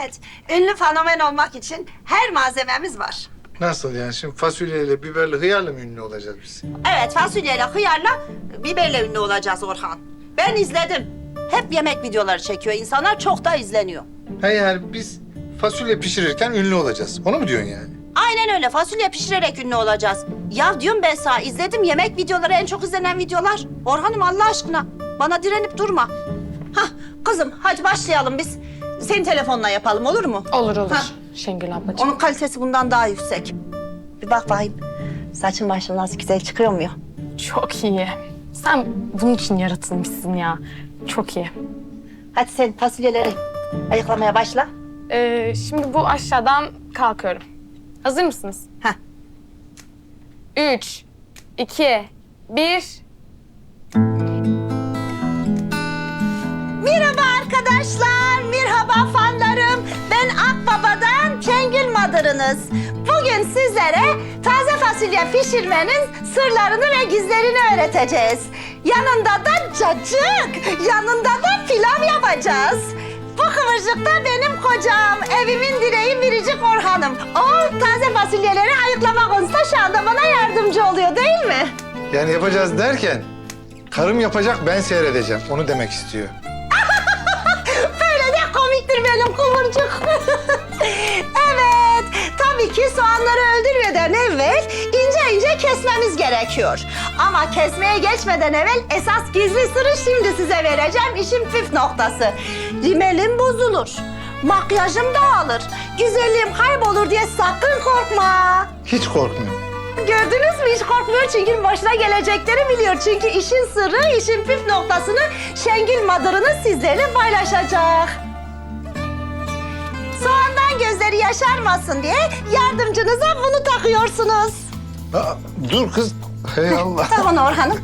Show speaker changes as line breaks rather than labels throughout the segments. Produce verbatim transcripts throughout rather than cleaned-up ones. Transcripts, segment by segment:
Evet, ünlü fenomen olmak için her malzememiz var.
Nasıl yani? Şimdi fasulyeyle, biberle, hıyarla mı ünlü olacağız biz?
Evet, fasulyeyle, hıyarla, biberle ünlü olacağız Orhan. Ben izledim. Hep yemek videoları çekiyor insanlar, çok da izleniyor.
Ha yani biz fasulye pişirirken ünlü olacağız. Onu mu diyorsun yani?
Aynen öyle, fasulye pişirerek ünlü olacağız. Ya diyorum ben sana, izledim yemek videoları, en çok izlenen videolar. Orhan'ım Allah aşkına, bana direnip durma. Hah, kızım hadi başlayalım biz. Senin telefonla yapalım, olur mu?
Olur olur
Hah.
Şengül ablacığım.
Onun kalitesi bundan daha yüksek. Bir bak bakayım. Saçın başın nasıl güzel çıkıyor mu ya?
Çok iyi. Sen bunun için yaratılmışsın ya. Çok iyi.
Hadi sen fasulyeleri ayıklamaya başla.
Ee, şimdi bu aşağıdan kalkıyorum. Hazır mısınız?
Heh.
Üç, iki, bir.
Merhaba arkadaşlar, merhaba fanlarım. Ben Akbaba'dan Şengül Madırınız. Bugün sizlere taze fasulye pişirmenin sırlarını ve gizlerini öğreteceğiz. Yanında da cacık, yanında da pilav yapacağız. Bu kıvırcık da benim kocam, evimin direği Biricik Orhan'ım. O taze fasulyeleri ayıklama konusunda şu anda bana yardımcı oluyor değil mi?
Yani yapacağız derken karım yapacak, ben seyredeceğim. Onu demek istiyor.
Böyle de komiktir benim kıvırcık. Evet, tabii ki soğanları öldürmeden evvel ince ince kesmemiz gerekiyor. Ama kesmeye geçmeden evvel esas gizli sırrı şimdi size vereceğim. İşin püf noktası. Rimelim bozulur, makyajım dağılır, güzelliğim kaybolur diye sakın korkma.
Hiç korkmuyorum.
Gördünüz mü? Hiç korkmuyor çünkü başına gelecekleri biliyor. Çünkü işin sırrı, işin püf noktasını Şengül Madırınız sizlerle paylaşacak. Soğandan gözleri yaşarmasın diye yardımcınıza bunu takıyorsunuz.
Aa, dur kız. Hey Allah.
Tamam Orhan'ım.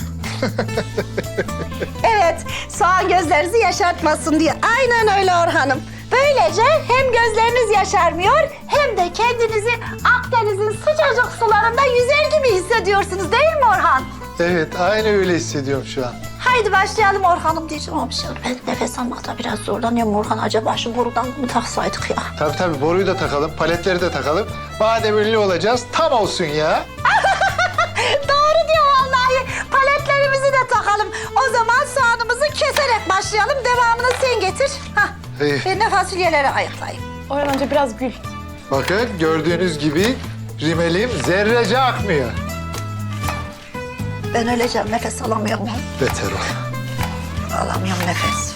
Evet, soğan gözlerinizi yaşartmasın diye. Aynen öyle Orhan'ım. Böylece hem gözleriniz yaşarmıyor hem de kendinizi Akdeniz'in sıcacık sularında yüzer gibi hissediyorsunuz değil mi Orhan?
Evet, aynı öyle hissediyorum şu an.
Haydi başlayalım Orhan'ım diyeceğim ama şey, ben nefes almakta biraz zorlanıyorum Orhan. Acaba şu borudan mı taksaydık ya?
Tabii tabii, boruyu da takalım, paletleri de takalım. Madem ünlü olacağız, tam olsun ya.
Doğru diyor vallahi. Paletlerimizi de takalım. O zaman soğanımızı keserek başlayalım. Devamını sen getir. Hah.
İyi.
Ben de fasulyeleri ayıklayayım.
Orhan önce biraz gül.
Bakın gördüğünüz gibi rimelim zerrece akmıyor.
Ben öleceğim. Nefes alamıyorum.
Beter ol.
Alamıyorum nefes.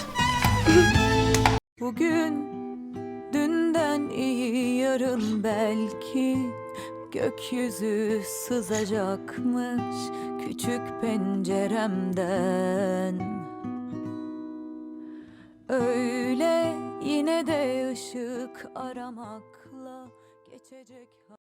Bugün dünden iyi yarın belki gökyüzü sızacakmış küçük penceremden. Öyle yine de ışık aramakla geçecek.